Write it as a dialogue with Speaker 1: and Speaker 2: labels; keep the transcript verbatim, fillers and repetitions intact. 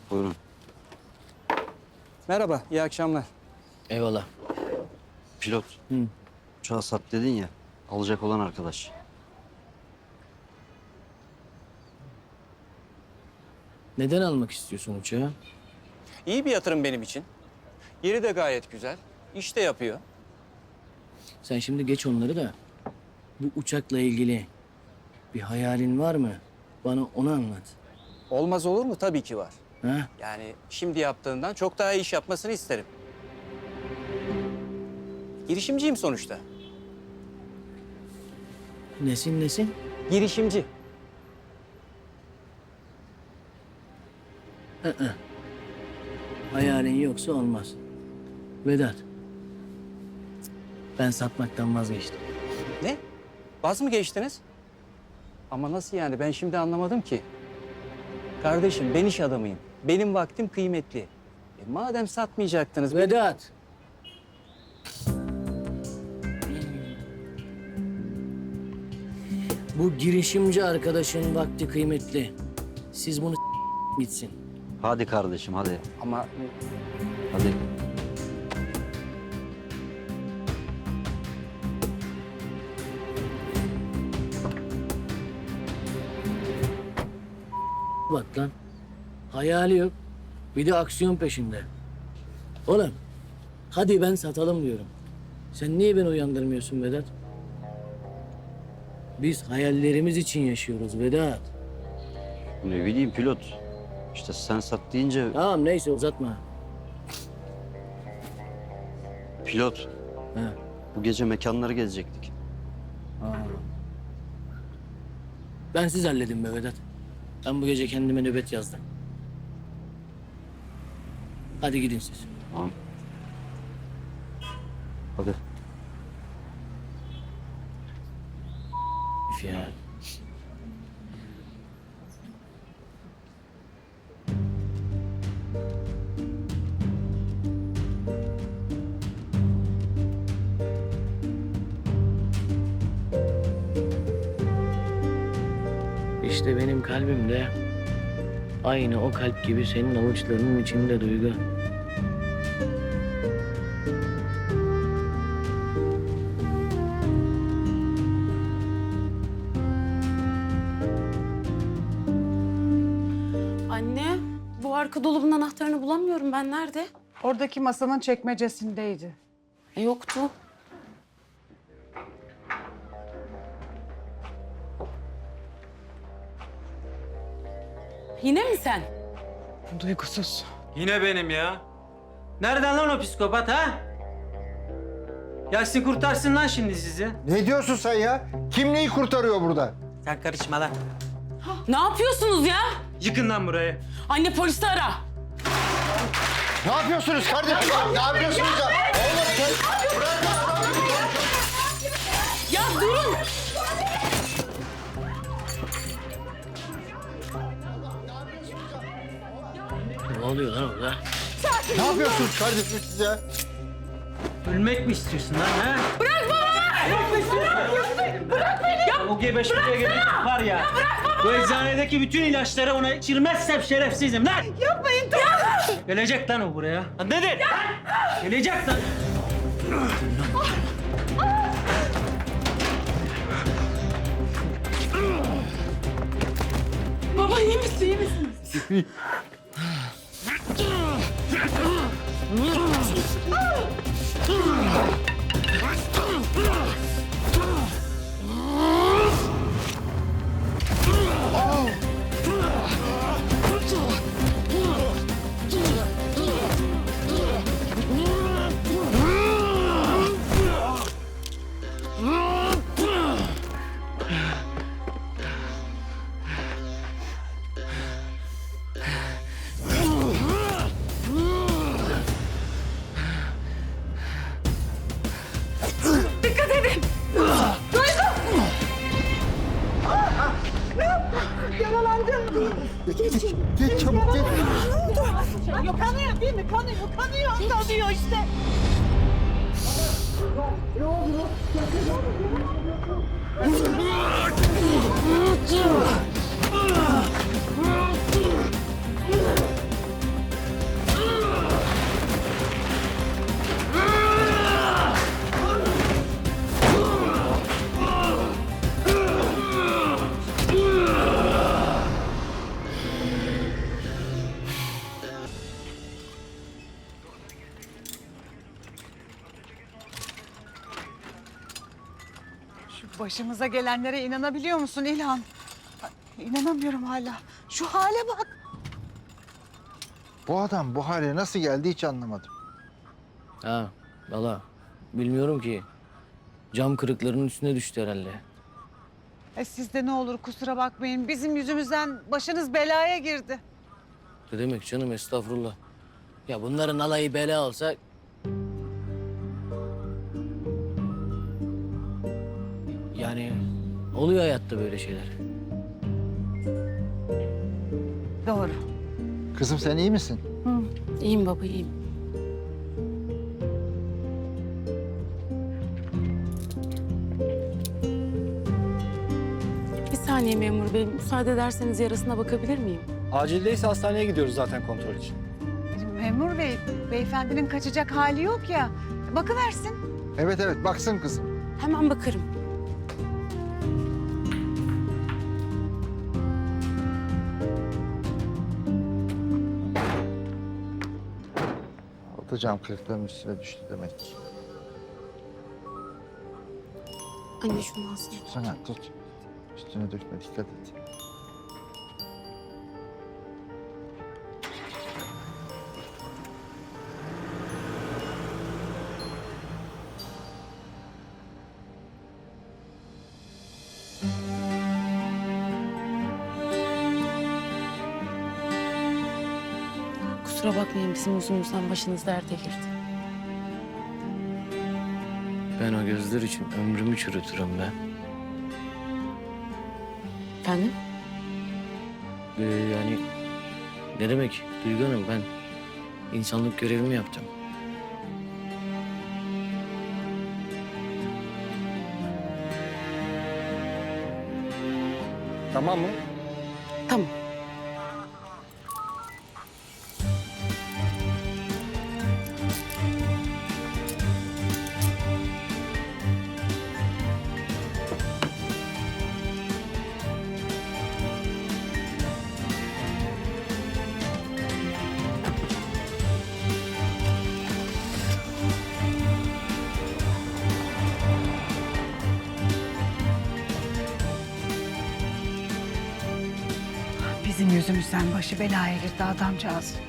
Speaker 1: Buyurun.
Speaker 2: Merhaba, iyi akşamlar.
Speaker 3: Eyvallah.
Speaker 1: Pilot.
Speaker 3: Hı.
Speaker 1: Uçağı sat dedin ya. Alacak olan arkadaş.
Speaker 3: Neden almak istiyorsun uçağı?
Speaker 2: İyi bir yatırım benim için. Yeri de gayet güzel. İş de yapıyor.
Speaker 3: Sen şimdi geç onları da bu uçakla ilgili bir hayalin var mı? Bana onu anlat.
Speaker 2: Olmaz olur mu? Tabii ki var.
Speaker 3: Ha?
Speaker 2: Yani şimdi yaptığından çok daha iyi iş yapmasını isterim. Girişimciyim sonuçta.
Speaker 3: Nesin nesin?
Speaker 2: Girişimci.
Speaker 3: Hı hı. Hayalin yoksa olmaz. Vedat. Ben satmaktan vazgeçtim.
Speaker 2: Ne? Vaz mı geçtiniz? Ama nasıl yani? Ben şimdi anlamadım ki. Kardeşim ben iş adamıyım. Benim vaktim kıymetli. E, madem satmayacaktınız...
Speaker 3: Vedat. Bu girişimci arkadaşın vakti kıymetli. Siz bunu s- gitsin.
Speaker 1: Hadi kardeşim hadi.
Speaker 2: Ama
Speaker 1: Hadi.
Speaker 3: Bak lan. Hayali yok. Bir de aksiyon peşinde. Oğlum. Hadi ben satalım diyorum. Sen niye beni uyandırmıyorsun Vedat? Biz hayallerimiz için yaşıyoruz Vedat.
Speaker 1: Ne bileyim pilot. İşte sen sat deyince
Speaker 3: Tamam neyse uzatma.
Speaker 1: pilot.
Speaker 3: Ha.
Speaker 1: Bu gece mekanları gezecektik.
Speaker 3: Ben siz halledin be Vedat. Ben bu gece kendime nöbet yazdım. Hadi gidin siz.
Speaker 1: Tamam. Hadi.
Speaker 3: Üf ya. İşte benim kalbim de aynı o kalp gibi senin avuçlarının içinde Duygu.
Speaker 4: Anne, bu arka dolabın anahtarını bulamıyorum ben. Nerede?
Speaker 5: Oradaki masanın çekmecesindeydi.
Speaker 4: E, yoktu. Yine mi sen?
Speaker 5: Duygusuz.
Speaker 6: Yine benim ya. Nereden lan o psikopat ha? Gelsin kurtarsın lan şimdi sizi.
Speaker 7: Ne diyorsun sen ya? Kim neyi kurtarıyor burada?
Speaker 6: Sen karışma lan.
Speaker 4: Ne yapıyorsunuz ya?
Speaker 6: Yıkın lan burayı.
Speaker 4: Anne polisi ara.
Speaker 7: Ne yapıyorsunuz kardeşim? Ne yapıyorsunuz ya? Oğlum sen... Bırak
Speaker 4: Ya durun.
Speaker 3: Ne oluyor lan orada?
Speaker 7: Ne yapıyorsunuz kardeşim siz ya?
Speaker 6: Ölmek mi istiyorsun lan ha? Bırak baba! Bırak beni! Ya o gebeşmeye gerek var ya. Bu eczanedeki bütün ilaçları ona içirmezsem şerefsizim lan!
Speaker 5: Yapmayın dur.
Speaker 6: Gelecek lan o buraya. Lan nedir? Gelecek lan.
Speaker 4: Baba iyi misin, iyi misin? Dikkat edin.
Speaker 5: Yaralandım.
Speaker 7: Geç, geç çabuk geç.
Speaker 5: Yok kanıyor değil mi? Kanıyor, kanıyor. Kanıyor işte. Başımıza gelenlere inanabiliyor musun İlhan? Ay, İnanamıyorum hala. Şu hale bak.
Speaker 7: Bu adam bu hale nasıl geldi hiç anlamadım.
Speaker 3: Ha valla bilmiyorum ki. Cam kırıklarının üstüne düştü herhalde.
Speaker 5: E siz de ne olur kusura bakmayın. Bizim yüzümüzden başınız belaya girdi.
Speaker 3: Ne demek canım, estağfurullah. Ya bunların alayı bela olsa... Yani oluyor hayatta böyle şeyler.
Speaker 5: Doğru.
Speaker 7: Kızım sen iyi misin?
Speaker 4: İyiyim baba, iyiyim. Bir saniye memur bey, müsaade ederseniz yarasına bakabilir miyim?
Speaker 8: Acildeyse hastaneye gidiyoruz zaten kontrol için.
Speaker 5: Memur bey, beyefendinin kaçacak hali yok ya. Bakıversin.
Speaker 7: Evet evet baksın kızım.
Speaker 4: Hemen bakarım.
Speaker 7: Altı cam kırıkların üstüne düştü demek ki.
Speaker 4: Anne şunu alsın.
Speaker 7: Sana tut. Üstüne dökme dikkat et.
Speaker 4: Kusura bakmayın, bizim yüzümüzden başınız derde girdi.
Speaker 3: Ben o gözler için ömrümü çürütürüm be.
Speaker 4: Efendim?
Speaker 3: Ee, yani ne demek Duygu Hanım, ben insanlık görevimi yaptım.
Speaker 8: Tamam mı?
Speaker 4: Tamam.
Speaker 5: Bizim yüzümüzden başı belaya girdi adamcağız.